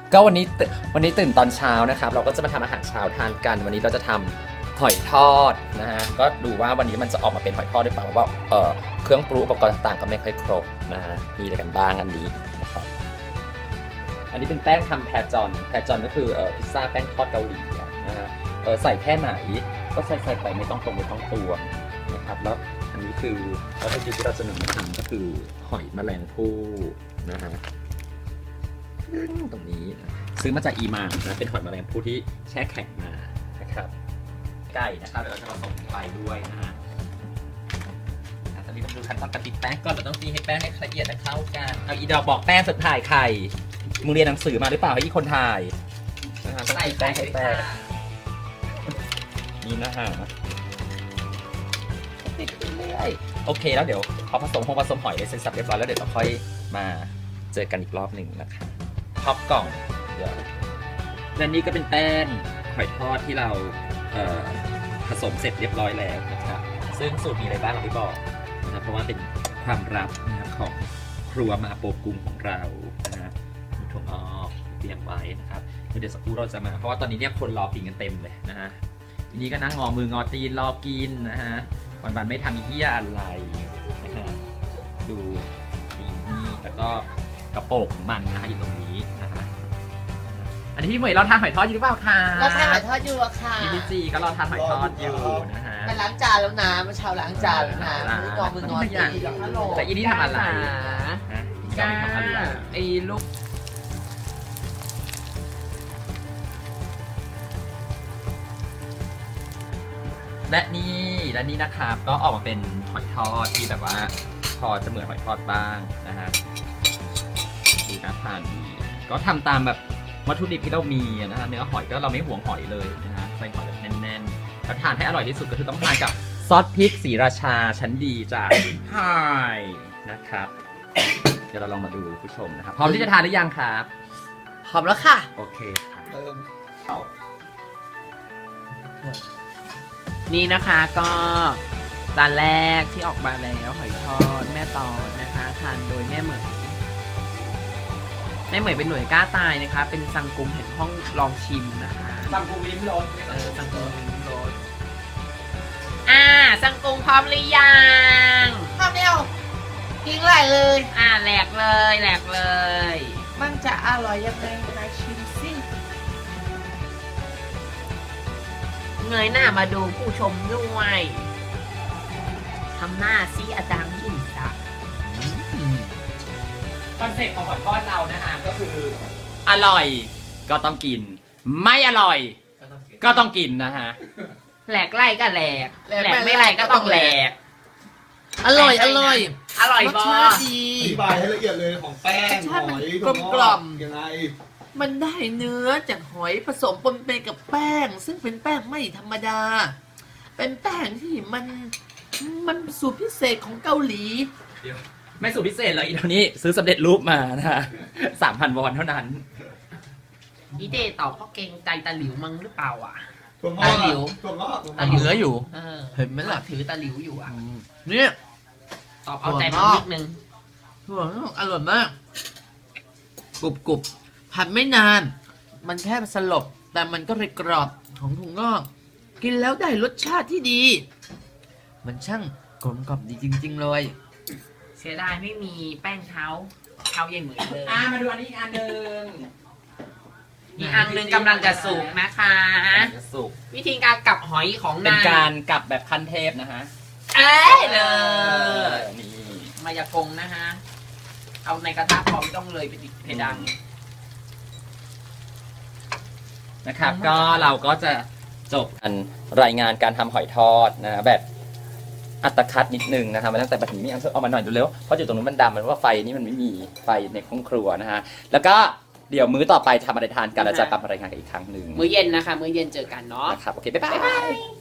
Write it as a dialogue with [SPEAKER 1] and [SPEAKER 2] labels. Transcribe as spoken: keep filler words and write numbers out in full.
[SPEAKER 1] ก็วันนี้วันนี้ตื่นตอนเช้านะครับเราก็จะมาทำอาหารเช้าทานกันวันนี้เราจะทำหอยทอดนะฮะก็ดูว่าวันนี้มันจะออกมาเป็นหอยทอดหรือเปล่าเพราะว่าเอ่อเครื่องปรุงอุปกรณ์ต่างๆก็ไม่ค่อยครบนะฮะมีอะไรกันบ้างอันนี้นะครับอันนี้เป็นแป้งทำแพจอนแพจอนก็คือเอ่อพิซซ่าแป้งทอดเกาหลีนะฮะเออใส่แค่ไหนก็ใส่ใส่ไปไม่ต้องตรงไม่ต้องตวงนะครับแล้วอันนี้คือวัตถุดิบที่เราจะนำมาทำก็คือหอยแมลงภู่นะฮะตรงนี้ซื้อมาจากอีมางนะเป็นหอยแมลงภู่ที่แช่แข็งมานะครับไก่นะครับเดี๋ยวเราจะผสมไปด้วยนะฮะตอนนี้ต้องดูขั้นตอนการตีแป้งก่อนเราต้องตีให้แป้งให้ละเอียดและเข้ากันเอาอีดอกบอกแป้งสุดถ่ายไข่มึงเรียนหนังสือมาหรือเปล่าให้อีคนถ่ายนะฮะต้องตีแป้งให้แป้งนี่นะฮะติดเรื่อยโอเคแล้วเดี๋ยวพอผสมหงผสมหอยเสร็จสับเรียบร้อยแล้วเดี๋ยวเราค่อยมาเจอกันอีกรอบหนึ่งนะครับท็อปกล่องเดี๋ยวและนี่ก็เป็นแป้งหอยทอดที่เราเอ่อผสมเสร็จเรียบร้อยแล้วนะครับซึ่งสูตรมีอะไรบ้างเราไม่บอกนะครับเพราะว่าเป็นความลับนะครับของครัวมาโปกุงของเรานะฮะมีถั่วงอกเตรียมไว้นะครับเดี๋ยวสักครู่เราจะมาเพราะว่าตอนนี้เนี่ยคนรอกินกันเต็มเลยนะฮะทีนี้ก็นั่งงอมืองอตีนรอกินนะฮะวันๆไม่ทำเหี้ยอะไรนะฮะดูนี่แล้วก็กระโปรงของมันนะฮะอยู่ตรงนี้นะฮะอันนี้พี่เหมยเราทานหอยทอดอยู่หรือเปล่าคะ
[SPEAKER 2] เราทานหอยทอดอยู่อะค่ะ
[SPEAKER 1] พี่พี่จีก็รอทานหอยทอดอยู่นะฮะ
[SPEAKER 2] มันล้างจานแล้วนะมันเช้าล้างจานแล้วนะมืองอมืองอตี
[SPEAKER 1] แต่อีนี่ทำอะไรนะก้าไอ้ลูกและนี่และนี่นะครับก็ออกมาเป็นหอยทอดที่แบบว่าพอจะเหมือนหอยทอดบ้างนะฮะดูน่าทานดีก็ทำตามแบบวัตถุดิบที่เรามีนะฮะเนื้อหอยก็เราไม่ห่วงหอยเลยนะฮะใส่หอยแบบแน่นๆแล้วทานให้อร่อยที่สุดก็คือต้องทานกับซอสพริกศรีราชาชั้นดีจากไฮนะครับเดี๋ยวเราลองมาดูผู้ชมนะครับพร้อมที่จะทานหรือยังครับ
[SPEAKER 2] หอมแล้วค่ะ
[SPEAKER 1] โอเคค่ะ
[SPEAKER 3] นี่นะคะก็จานแรกที่ออกมาแล้วหอยทอดแม่ตอนนะคะทานโดยแม่เหมยแม่เหมยเป็นหน่วยกล้าตายนะคะเป็นสังกุมแห่งห้องลองชิมนะคะ
[SPEAKER 1] สังกูวิมรส
[SPEAKER 3] เออสังกุมลิ้มรสอ่าสังกุมพร้อมหรือยัง
[SPEAKER 2] ข้าวเดียวทิ้งไหลเลย
[SPEAKER 3] อ่าแหลกเลยแหลกเลย
[SPEAKER 2] มันจะอร่อยยังไงมาชิมสิ
[SPEAKER 3] เงยหน้ามาดูผู้ชมด้วยทำหน้าซีอาจารย์ยิ่งศักดิ์
[SPEAKER 1] คอนเซ็ปต์ของหอยทอดเรานะฮะก็คืออร่อยก็ต้องกิน ไม่อร่อยก็ต้องกินนะฮะ
[SPEAKER 3] แหลกไล่ก็แหลกแหลกไม่ไล่ก็ต้องแหลก
[SPEAKER 2] อร่อยอร่อย
[SPEAKER 3] อร่อย
[SPEAKER 2] รส
[SPEAKER 3] บอ
[SPEAKER 2] ชาติดี
[SPEAKER 4] อธิบายให้ละเอียดเลยของแป้ง
[SPEAKER 2] รสชาติ
[SPEAKER 4] ห
[SPEAKER 2] มัน
[SPEAKER 4] อย
[SPEAKER 2] กลมกล่อม
[SPEAKER 4] ยังไง
[SPEAKER 2] มันได้เนื้อจากหอยผสมปนเปกับแป้ง ซึ่งเป็นแป้งไม่ธรรมดา เป็นแป้งที่มันมันสูตรพิเศษของเกาหลี
[SPEAKER 1] ไม่สูตรพิเศษเลยอีเท่านี้ซื้อสำเร็จรูปมานะฮะสามพันวอนเท่านั้น
[SPEAKER 3] อีเดตอบเพราะเกรงใจตาหลิวมั้งหรือเปล่าอ่ะ
[SPEAKER 4] ถั่วง
[SPEAKER 3] ตา
[SPEAKER 4] อก
[SPEAKER 3] หลิว
[SPEAKER 4] ถั่วงอกถั่วง
[SPEAKER 3] ตา
[SPEAKER 4] อก
[SPEAKER 3] หลิว
[SPEAKER 2] เหลืออยู่
[SPEAKER 3] เออ
[SPEAKER 2] เห็นไหมล่ะ
[SPEAKER 3] ถือตาหลิวอยู่อ่ะ
[SPEAKER 2] เนี่ย
[SPEAKER 3] ตอบเอาใจมันนิดนึง
[SPEAKER 2] ถั่วงอกอร่อยมากกรุบกรุบผัดไม่นาน มันแค่สลบ แต่มันก็เลยกรอบของถั่วงอก กินแล้วได้รสชาติที่ดี มันช่างกลมกล่อมดีจริง ๆ เลย
[SPEAKER 3] เสียดายไม่มีแป้งเท้าเท้าใหญ่เหมือนเลย
[SPEAKER 1] อ่ามาดูอันนี้อีกอันหนึ่ง
[SPEAKER 3] อีกอันหนึงกำลังจะสุกนะคะ
[SPEAKER 1] จะสุก
[SPEAKER 3] วิธีการกลับหอยของ
[SPEAKER 1] เป็น
[SPEAKER 3] นาย
[SPEAKER 1] การกลับแบบขั้นเทพนะฮะ
[SPEAKER 3] เอ้ยเลย
[SPEAKER 1] นี่
[SPEAKER 3] มายากงนะฮะ เอาในกระทะพอไม่ต้องเลยไปติดเพดาน
[SPEAKER 1] นะครับก็เราก็จะจบกันรายงานการทำหอยทอดนะแบบอัตคัดนิดนึงนะครับมาตั้งแต่บัดนี้เอาเอามาหน่อยดูเร็วเพราะอยู่ตรงนู้นมันดำมันว่าไฟนี่มันไม่มีไฟในห้องครัวนะฮะแล้วก็เดี๋ยวมื้อต่อไปทำอะไรทานกันเราจะกลับมารายงานกันอีกครั้งหนึ่ง
[SPEAKER 3] มื้อเย็นนะคะ มื้อเย็นเจอกันเนาะ
[SPEAKER 1] นะครับโอเคบ๊ายบาย